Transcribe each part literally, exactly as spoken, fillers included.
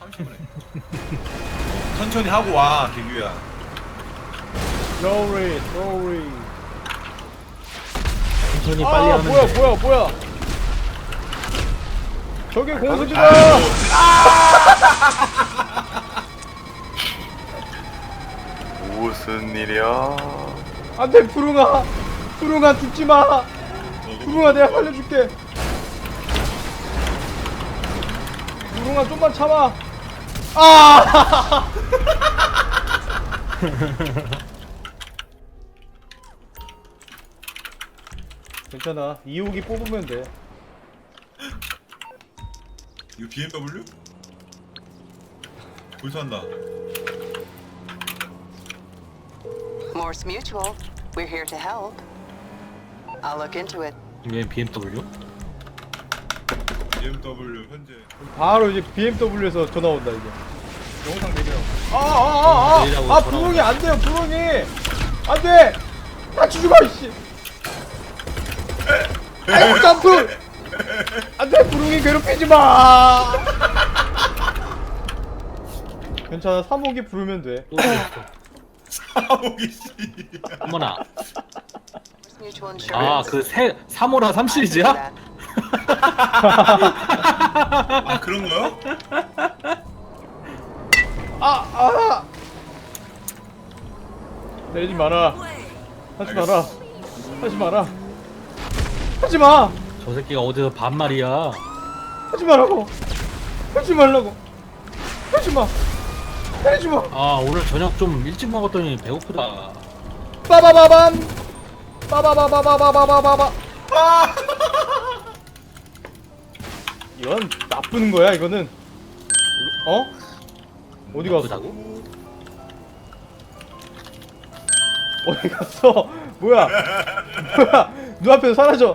천천히 하고 와, 개규야. Sorry, sorry. 천천히 아, 빨리 하면 뭐야, 돼. 뭐야, 뭐야. 저게 공수지다. 무슨 일이야? 안돼, 푸릉아. 푸릉아, 죽지 마. 푸릉아, 내가 살려줄게. 푸릉아, 좀만 참아. 아! 괜찮아. 이호기 뽑으면 돼. 이거 비엠더블유? 불선다. Morse Mutual. We're here to help. I'll look into it. 얘 비엠더블유? 비엠더블유 현재. 바로 이제 비엠더블유에서 전화 온다 이제. 영상 내려. 아아아아! 내리라고 아, 전화 부릉이 온다. 안 돼요, 부릉이. 안 돼. 같이 죽어 이씨. 아이고 점프. 안 돼, 부릉이 괴롭히지 마. 괜찮아, 삼호기 부르면 돼. 또 있어. 사오기 씨. 어머나. Morse Mutual Insurance. 아, 그 세, 삼호라 삼 시리즈야? 아, 그런 거요? 아, 아. 내리지 마라. 하지 마라. 하지 마라. 하지 마. 저 새끼가 어디서 반말이야. 하지 말라고. 하지 말라고. 하지 마. 하지 마. 아, 오늘 저녁 좀 일찍 먹었더니 배고프다. 빠바바밤. 빠바바바바바바바바. 이건 나쁜 거야, 이거는. 어? 어디 갔어? 나쁘다고? 어디 갔어? 뭐야? 뭐야? 눈앞에서 사라져.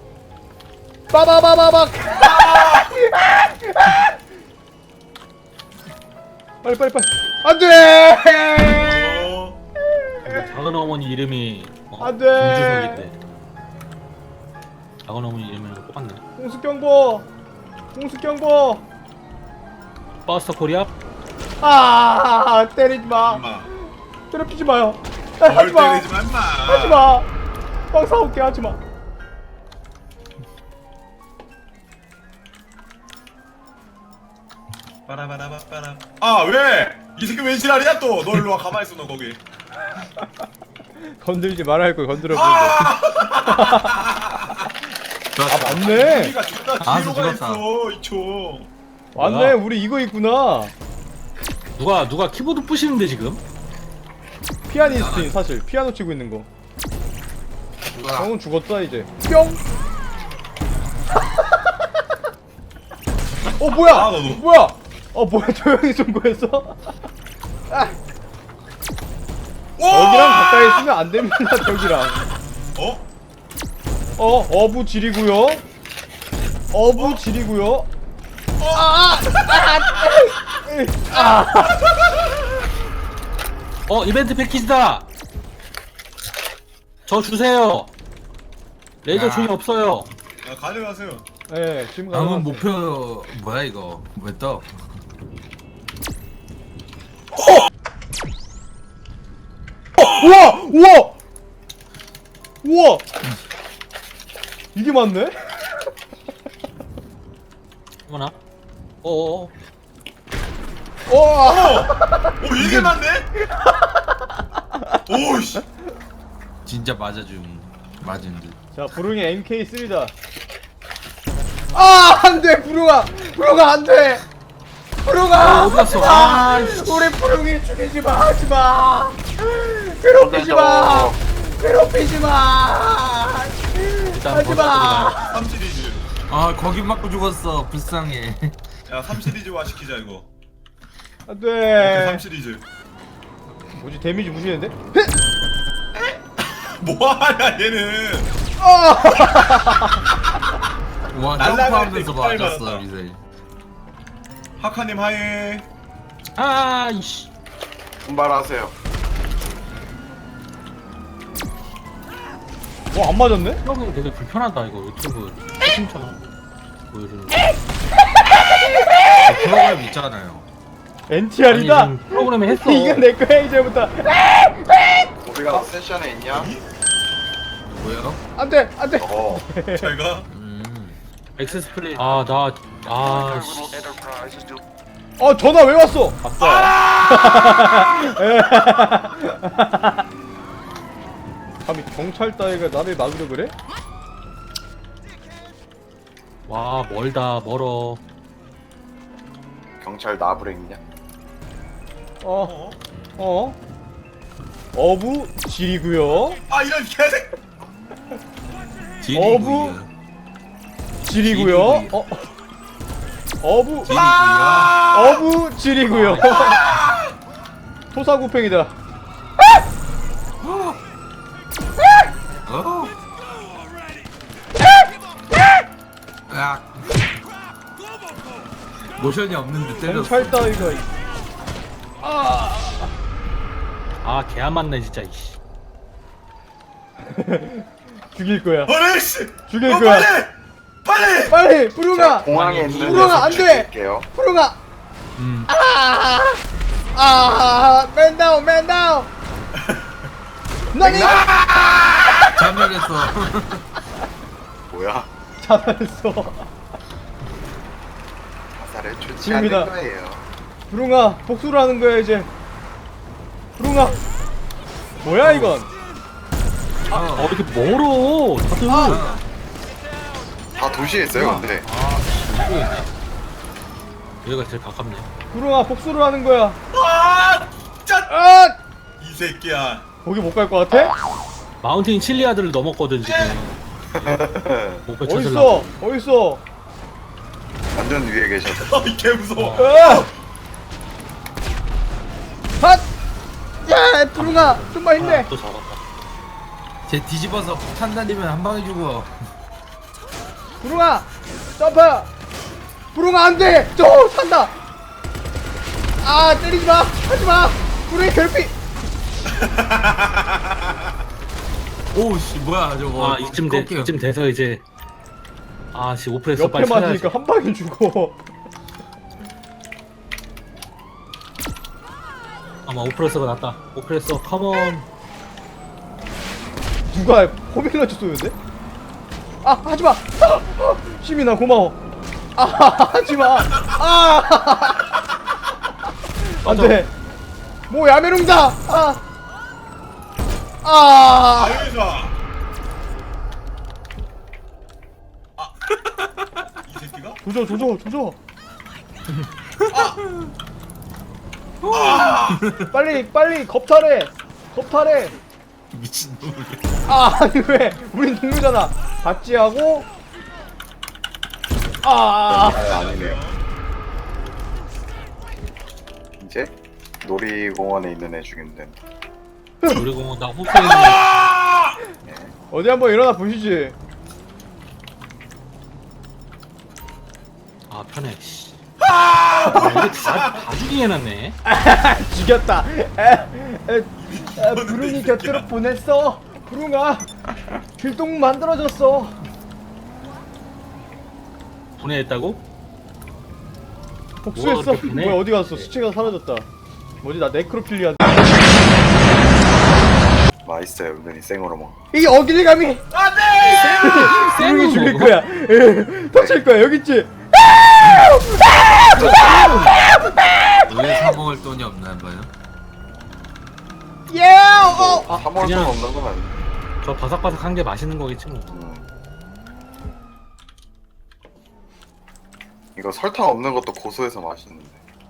빠바바바박. 빨리 빨리 빨리. 안돼. 어. 우리 작은 어머니 이름이 어, 안 돼. 김주석인데. 작은 어머니 이름이랑 똑같네. 공수 경보. 공수 경보. 버스터 코리아? 아, 때리지 마. 엄마. 괴롭히지 마요. 아, 뭘 하지 마. 때리지 마, 임마. 하지 마. 빵 사올게. 하지 마. 빠라바라바빠라. 아, 왜? 이 새끼 왜 지랄이야 또? 너 일로 와, 가만히 있어, 너 거기. 건들지 말아야 할 걸 건드려 보는데. 아! 아, 맞네. 우리가 존나 아, 뒤로 가 죽었다. 있어, 이총. 맞네. 뭐야? 우리 이거 있구나. 누가 누가 키보드 부시는데 지금? 피아니스트인 사실. 피아노 치고 있는 거. 누가 형은 죽었다 이제. 뿅. 어 뭐야? 아, 너도. 뭐야? 어 뭐야? 조용히 쏜 거였어? 아, 저기랑 가까이 있으면 안 됩니다. 저기랑. 어? 어 어부 지리고요. 어부 지리고요. 아, 아, 아, 어, 이벤트 패키지다. 저 주세요. 레이저 야. 총이 없어요. 아, 가져가세요. 예, 지금 방금 가져갔어요. 목표 뭐야 이거 왜 떠? 우와! 우와! 우와! 이게 맞네? 어머나. 어어. 와! 오, 이게 맞네? 오씨. 진짜 맞아줌 맞은 듯. 자, 부릉이 엠케이 쓰리다. 아, 안 돼, 부릉아! 부릉아, 안 돼! 부릉아! 어, 어디 갔어? 아, 우리 부릉이 죽이지 마, 하지 마! 괴롭히지 마! 괴롭히지 마! 일단 하지 마! 삼 시리즈. 아 거기 맞고 죽었어 불쌍해. 야, 삼 시리즈화 시키자, 이거. 안 삼 돼! 시리즈. 뭐지, 데미지 무시했는데? 뭐하냐, 얘는. 와 날라갈 때 점프하면서 깃발 맞았어 받았다. 미사일. 하카님 하예. 아, 이씨. 분발하세요. 어, 안 맞았네? 이거 되게 불편하다 이거 유튜브 채팅창 보여주는 거. 프로그램 있잖아요. 엔티알이다. 아니, 지금 프로그램에 했어. 이거 내 거야 이제부터. 우리가 세션에 있냐? 뭐야? 안돼 안돼. 어. 제가 음. 액세스 플레이. 아, 나, 아, 씨. 어 전화 왜 왔어? 감히 경찰 따위가 나를 막으려 그래? 와, 멀다, 멀어. 경찰 나부랭 있냐? 어 어? 어부 지리구요. 아 이런 개색. 어부 지리구요. 어 어부 아! 어부 지리구요. 토사구팽이다. 어? 야. 모션이 없는데 때렸어. 경찰 따위가. 아, 개 안 맞네, 진짜, 이씨. 죽일 거야. 어레 씨. 죽일 어, 거야. 빨리 빨리. 빨리 부룡아. 공항에 있는 불어가 녀석 안 돼! 죽일게요. 부룡아. 음. 아, 아, 맨 다운, 맨 다운. 너니 전멸했어. 뭐야? 잡았어. 화살을 좋지 지금이다. 않을 거예요. 부룡아, 복수를 하는 거야 이제. 부룡아. 뭐야 이건? 어, 이렇게 멀어, 다들. 아. 다 도시에 있어요, 근데. 여기가 제일 가깝네. 부룡아, 복수를 하는 거야. 아 진짜 아, 이 새끼야. 거기 못 갈 것 같아? 마운틴 칠리아드를 넘었거든, 지금. 목표 어딨어? 찾으려고. 어딨어? 완전 위에 계셨어. 아이 개 무서워. 아! 핫! 야, 부룡아, 좀만 힘내. 아, 또 잡았다. 쟤 뒤집어서 폭탄 달리면 한 방에 죽어. 부룡아, 점프. 부룡아 안 돼. 저 산다. 아, 때리지 마. 하지 마. 부룡이 결핍. 오씨 뭐야 저거. 아, 이쯤 돼, 꺾여. 이쯤 돼서 이제. 아, 씨, 오프레서 옆에 빨리 찾아야지. 맞으니까 한 방에 죽어. 아마 오프레서가 낫다. 오프레서, 컴온. 누가 호밀러치 쏘는데? 아, 하지 마. 아, 아, 시민아 고마워. 아, 하지 마. 아, 안 돼. 뭐 야메룽다. 아, 아, 아유 좋아. 아이 새끼가? 조져, 조져, 조져. 아 빨리, 빨리 겁탈해. 겁탈해. 미친놈을. 아, 아니 왜? 우린 동료잖아. 박지하고. 아, 아, 아니네요. 이제 놀이공원에 있는 애 죽이면 된다. 놀이공원 나 호수에 아! 어디 한번 일어나 보시지. 아, 편해, 씨. 아, 이게 다, 다 죽이게 해놨네. 죽였다. 에, 에, 에, 부릉이 곁으로 보냈어. 부릉아, 길동 만들어줬어. 분해했다고? 복수했어. 뭐가 그렇게 보내? 뭐야 어디 갔어? 시체가 사라졌다. 뭐지 나 네크로필리아. 맛있어요, 은근히 생으로 먹. 이게 어길감이. 안돼. 부릉이 죽일 먹어? 거야. 에, 터칠 거야 여기 있지. 왜 사 먹을 돈이 없나 봐요. 예. 어. 아, 사먹을 수 그냥 없는 건 아니야. 저 바삭바삭한 게 맛있는 거겠지 뭐. 음. 이거 설탕 없는 것도 고소해서 맛있는데.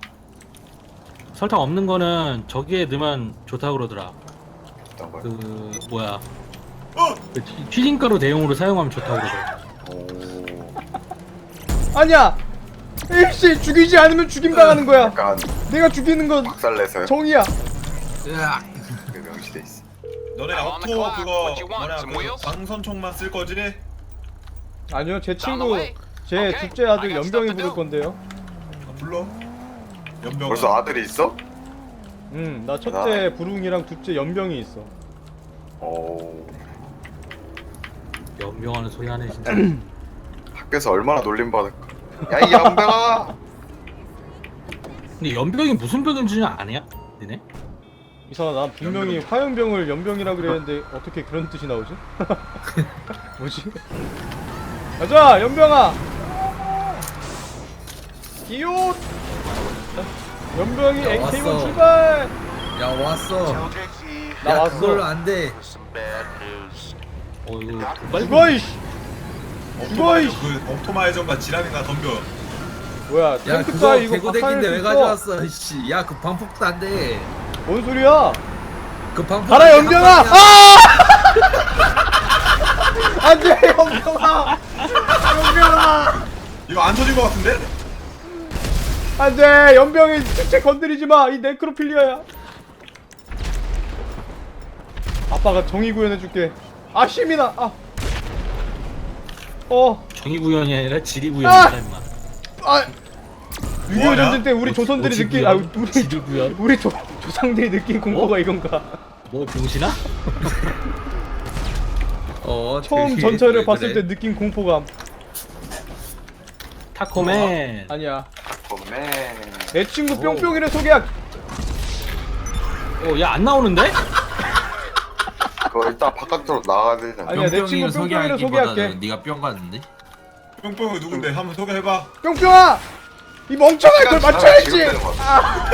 설탕 없는 거는 저기에 넣으면 좋다고 그러더라. 어떤 거요? 그 뭐야? 어. 그 튀- 튀김가루 대용으로 사용하면 좋다고 그러더라. 오. 아니야. 일시 죽이지 않으면 죽임 당하는 거야. 약간 내가 죽이는 건 박살내서요. 정이야. 으악. 그 명시돼 있어. 너네 I'm on the 오토 clock. 그거 What you want? 뭐냐 Some 그 wheels? 방선총만 쓸 거지? 아니요 제 Down the 친구 way. 제 Okay, 둘째 아들 I got 연병이 stuff to 부를 do. 건데요. 아, 불러. 연병아. 벌써 아들이 있어? 응, 나 첫째 부릉이랑 둘째 연병이 있어. 오. 연병하는 소리 하네 진짜. 학교에서 얼마나 놀림 받을까. 야, 이 양병아. 근데 연병이 무슨 병인지는 아냐? 니네? 이상하다. 난 분명히 화염병을 연병이라 그랬는데 어떻게 그런 뜻이 나오지? 뭐지? 가자 연병아. 기웃. 연병이 야, 엔케이원 왔어. 출발. 야 왔어. 나 야 왔어. 그걸로 안돼. 어 이거 빨리 죽어 이씨. 죽어 이씨. 그 옵토마이저가 지랄인가 덤벼. 뭐야 야 탱크가 그거 이거 개고데기인데 왜 박살낼 수 있어? 가져왔어? 씨. 야 그 방폭도 안 돼. 뭔 소리야? 그 방폭. 가라 한 연병아! 방이야. 아! 안돼 연병아! 연병아! 이거 안 터진 것 같은데? 안돼 연병이 특채 건드리지 마. 이 네크로필리아야. 아빠가 정의 구현해줄게. 아 시민아. 아. 어. 정의 구현이 아니라 지리 아! 구현이다 임마. 아. 육이오 뭐하냐? 전쟁 때 우리 조선들이 뭐지, 느낀 아 구현? 우리 지리 구현? 우리 조, 조상들이 느낀 공포가 이건가? 뭐 병신아? 어, 처음 되게- 전철을 왜 봤을 그래? 때 느낀 공포감. 타코맨. 아니야. 봄에 내 친구 뿅뿅이를 소개할. 어, 야 안 나오는데? 그거 일단 바깥으로 나가야 되잖아. 아니야, 내 친구 뿅뿅이를 뿅뿅이를 소개하기보다는 소개할게. 네가 뿅 갔는데? 뿅뿅이 누군데? 한번 소개해봐. 뿅뿅아! 이 멍청아 그걸 맞춰야지! 지금 되는 거야. 아!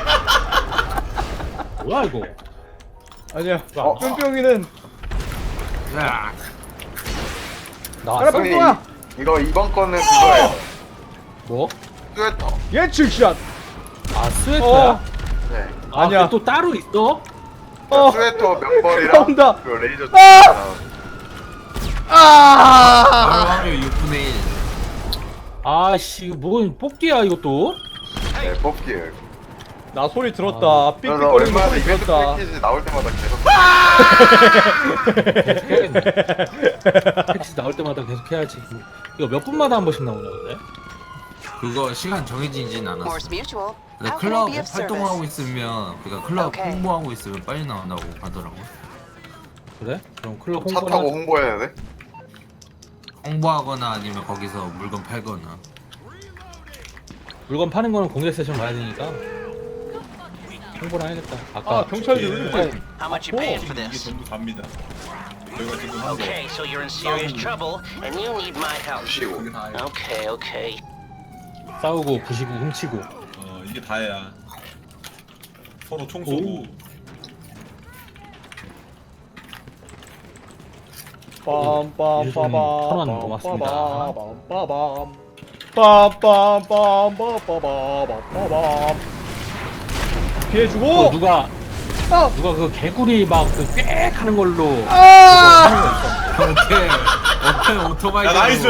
뭐야 이거? 아니야. 어? 뿅뿅이는 야. 나왔어? 가라 형님, 뿅뿅아! 이거 이번 거는 그거예요. 뭐? 스웨터. 예측샷! 아 스웨터야? 어. 네. 아, 아니야. 그게 또 따로 있어? 어! 스웨터 면벌이랑 나온다. 그 레이저. 아! 바로 아! 확률 육분의 일. 아씨 이거 뭔 뽑기야 이것도? 네, 뽑기예요. 나 소리 들었다. 나 삑삑거리는 거 얼마나 소리 이벤트 들었다. 패키지 나올 때마다 계속. 택시 나올 때마다 계속 해야지. 이거 몇 분마다 한 번씩 나오냐 근데? 그거 시간 정해지진 않았어. Morse Mutual. 근데 How can I 클럽 be of 활동을 하고 service? 있으면 그러니까 클럽 오케이. 홍보하고 있으면 빨리 나온다고 하더라고. 그래? 그럼 클럽 차 타고 홍보나 홍보해야 돼? 홍보하거나 아니면 거기서 물건 팔거나. 물건 파는 거는 공개 세션 가야 되니까 홍보를 해야겠다. 아까 아 경찰들 왜 예. 이렇게 How much you paying for 이게 this? 전부 답니다. 저희가 지금 한 거. Okay, so you're in serious trouble and you need my help. 쉬고. Okay, okay. 싸우고 부시고 훔치고. 어 이게 다야. 서로 총 쏘고. 빰빰빠밤 천원 고맙습니다. 빰빰빰빰 빰빰빰빰빰빰빰 피해주고 어, 누가 아! 누가 그 개구리 막그꽥 하는 걸로 아! 오케이. 오케이 오토바이. 야 나이스.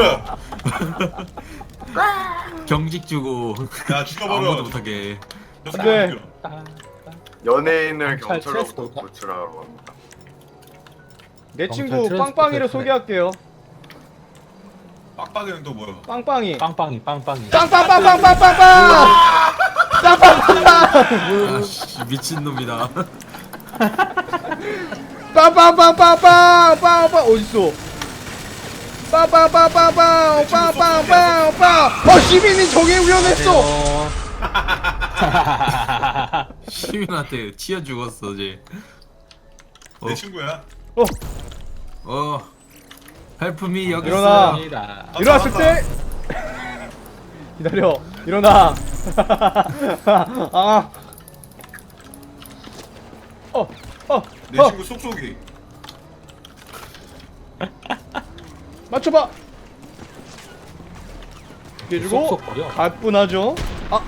경직 주고. 야 죽여버려. 아무도 못하게. 저 네. 죽여. 연예인을 경찰 경찰로부터 트랜스포터. 구출하러 갑니다. 내 경찰 친구 트랜스포터 빵빵이를 때문에. 소개할게요. 빡빡이는 또 뭐야? 빵빵이 빵빵이 빵빵이. 빵빵빵빵빵빵빵 빵빵빵빵 아씨 미친 놈이다. 빵빵빵빵빵빵빵 어딨어 빵빵빵빵빵 빵빵빵빵 어 시민이 정의 우연했어 시민한테 튀어 죽었어 어제. 내 어. 친구야. 어 어. 헬프미 여기 일어나. 있어요. 아, 일어났을 때 기다려 일어나 아 어, 어, 내 어, 친구 쏙쏙이. 맞춰봐. 해주고 쏙쏙거려. 가뿐하죠. 아,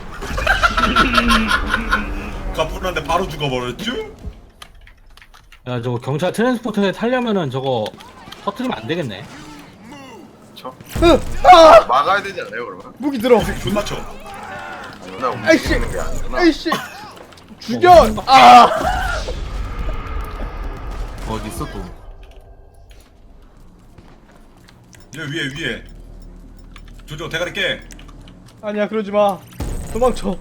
가뿐한데 바로 죽어버렸죠? 야 저거 경찰 트랜스포터에 타려면은 저거 터트리면 안 되겠네. 그쵸? 으, 아, 막아야 되지 않아요 그러면? 무기 들어. 존나 쳐. 나 아이씨, 움직이는 게 아니구나. 아이씨, 죽여. 아, 어디 있어 또? 얘 위에 위에. 조조 대가리 깨. 아니야 그러지 마. 도망쳐.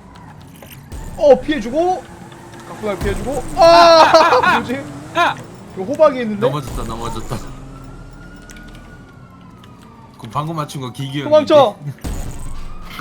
어 피해주고, 가뿐하게 피해주고. 아, 뭐지? 야! 이거 호박이 있는데. 넘어졌다 넘어졌다. 그 방금 맞춘 거 기기형. 도망쳐.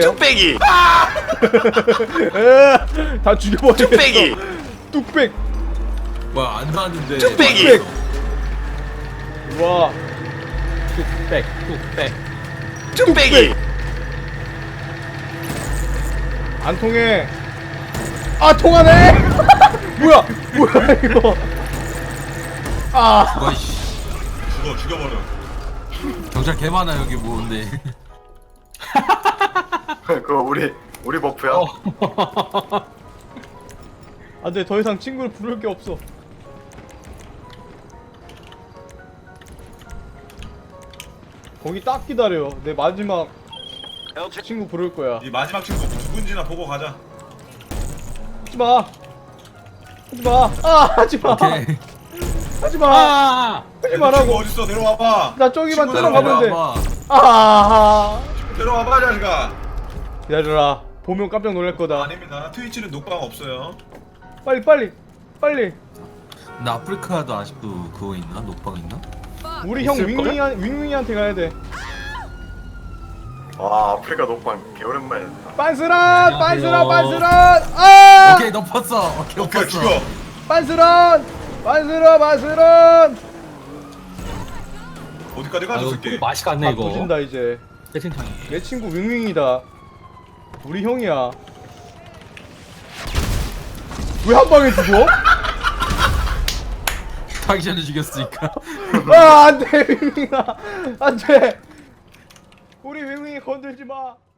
갈게요. 뚝배기. 에, 다 죽여버리겠어. 뚝배기. 뚝백. 뭐야 안 나왔는데. 뚝배기. 뚝백. 와. 뚝백 뚝백. 뚝배기. 안 통해. 아 통하네. 뭐야? 뭐야 이거? 아. 뭐야 씨. 죽어 죽여버려. 경찰 개 많아 여기 뭐인데. 그거 우리 우리 버프야. 어. 안돼 더 이상 친구를 부를 게 없어. 거기 딱 기다려. 내 마지막 Ultra 친구 부를 거야. 이 마지막 친구 누군지나 보고 가자. 하지 마. 하지 마. 아 하지 마. 오케이. 하지 마. 아. 하지 친구 말라고. 어딨어? 내려와봐. 나 저기만 친구 들어가면 돼. 봐봐. 아. 내려와봐 자식아. 기다려라. 보면 깜짝 놀랄 거다. 아닙니다. 트위치는 녹방 없어요. 빨리 빨리 빨리. 나 아프리카도 아직도 그거 있나? 녹방 있나? 우리 형 있을걸? 윙윙한 윙윙이한테 가야 돼. 와 아프리카 녹방 개 오랜만에. 빤스런 빤스런 안녕하세요. 빤스런. 아. 오케이 덮었어. 오케이 오케이 덮었어. 죽여. 빤스런 빤스런 빤스런. 어디까지 아, 가져 이거 새끼. 맛이 갔네 아 이거. 보신다 이제. 세팅창. 내 친구 윙윙이다. 우리 형이야. 왜 한 방에 죽어? 하기 전에 죽였으니까. 아 안돼 윙윙아 안돼. 우리 윙윙이 건들지 마.